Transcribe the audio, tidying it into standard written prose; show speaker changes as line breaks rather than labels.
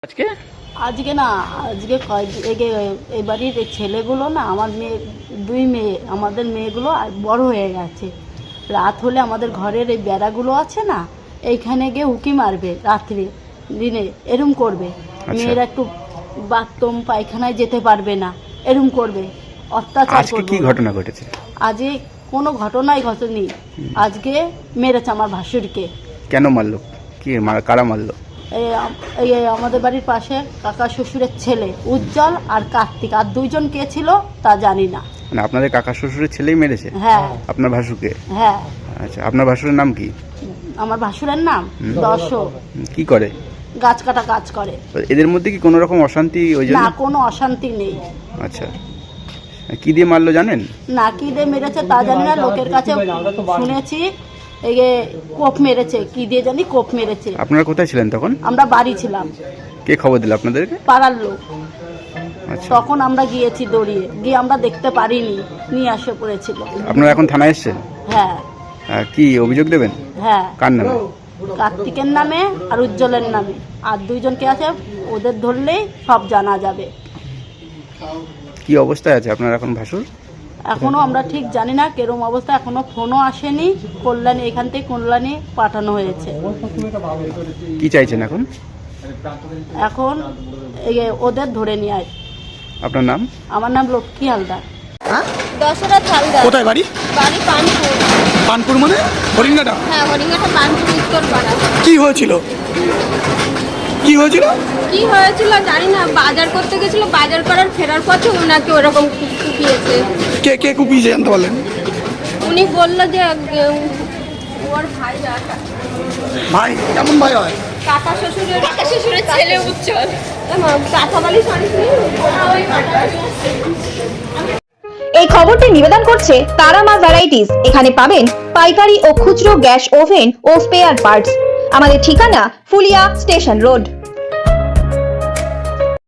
আজকে
আজকে না আজকে এই বাড়ির এই ছেলেগুলো না আমার মেয়ে দুই মেয়ে আমাদের মেয়েগুলো বড় হয়ে গেছে। রাত হলে আমাদের ঘরের এই বেড়াগুলো আছে না, এইখানে গিয়ে উঁকি মারবে রাত্রে দিনে, এরম করবে। মেয়েরা একটু বাথরুম পায়খানায় যেতে পারবে না, এরম করবে, অত্যাচার করবে।
কি ঘটনা ঘটেছে?
আজকে কোনো ঘটনাই ঘটেনি, আজকে মেরেছে আমার ভাসুরকে।
কেন মারলো? কি কারা মারলো?
এই আমাদের বাড়ির পাশে কাকা শ্বশুরের ছেলে উজ্জ্বল আর কার্তিক, আর দুইজন কে ছিল তা জানি না।
মানে আপনাদের কাকা শ্বশুরের ছেলেই মেরেছে?
হ্যাঁ।
আপনার ভাসুরকে?
হ্যাঁ।
আচ্ছা, আপনার ভাসুরের নাম কি?
আমার ভাসুরের নাম দর্শক।
কি করে?
গাছ কাটা কাজ করে।
এদের মধ্যে কি কোনো রকম অশান্তি? ওই জন্য?
না, কোনো অশান্তি নেই।
আচ্ছা, কি দিয়ে মারলো জানেন?
না, কি দিয়ে মেরেছে তা জানি না, লোকের কাছে শুনেছি এই কোপ মেরেছে, কি দিয়ে জানি কোপ মেরেছে।
আপনারা কোথায় ছিলেন তখন?
আমরা বাড়ি ছিলাম।
কে খবর দিল আপনাদেরকে?
পাড়ার লোক।
আচ্ছা,
তখন আমরা গিয়েছি দৌড়িয়ে গিয়ে, আমরা দেখতে পারিনি, নিয়ে আসে পড়েছিল।
আপনারা এখন থানায় এসেছেন?
হ্যাঁ।
কি অভিযোগ দেবেন?
হ্যাঁ।
কার নামে?
কার্তিকের নামে আর উজ্জ্বলের নামে, আর দুইজনকে আছে, ওদের ধরলেই সব জানা যাবে।
কি অবস্থায় আছে আপনার এখন ভাসুর?
এখনো আমরা ঠিক জানি না কেরম অবস্থা, এখনো ফোনও আসেনি। কল্যাণী, এখান থেকে কল্যাণী পাঠানো হয়েছে।
কি চাইছেন এখন?
এখন এই ওদের ধরে নিয়ে আয়।
আপনার নাম?
আমার নাম লক্ষ্মী হালদার।
দশরথ হালদার।
কোথায় বাড়ি?
বাড়ি পানপুর।
পানপুর মানে হরিঙ্গাটা?
হ্যাঁ, হরিঙ্গাটা পানপুর উত্তরপাড়া।
কি হয়েছিল? কি হয়েছিল?
কি হয়েছিল জানি না, বাজার করতে গেছিল, বাজার করার ফেরার পথে ওনাকে ওরকম কুপিয়েছে।
কে কে কুপিয়েছে জানতে পারলেন?
উনি বললো যে ওর ভাই।
ভাই কেমন ভাই হয়?
কাকা শ্বশুরের ছেলে উজ্জ্বল। কাঁথাবালি
এই খবরটি নিবেদন করছে তারামা ভ্যারাইটিস। এখানে পাবেন পাইকারি ও খুচরো গ্যাস ওভেন ও স্পেয়ার পার্টস। আমাদের ঠিকানা ফুলিয়া স্টেশন রোড।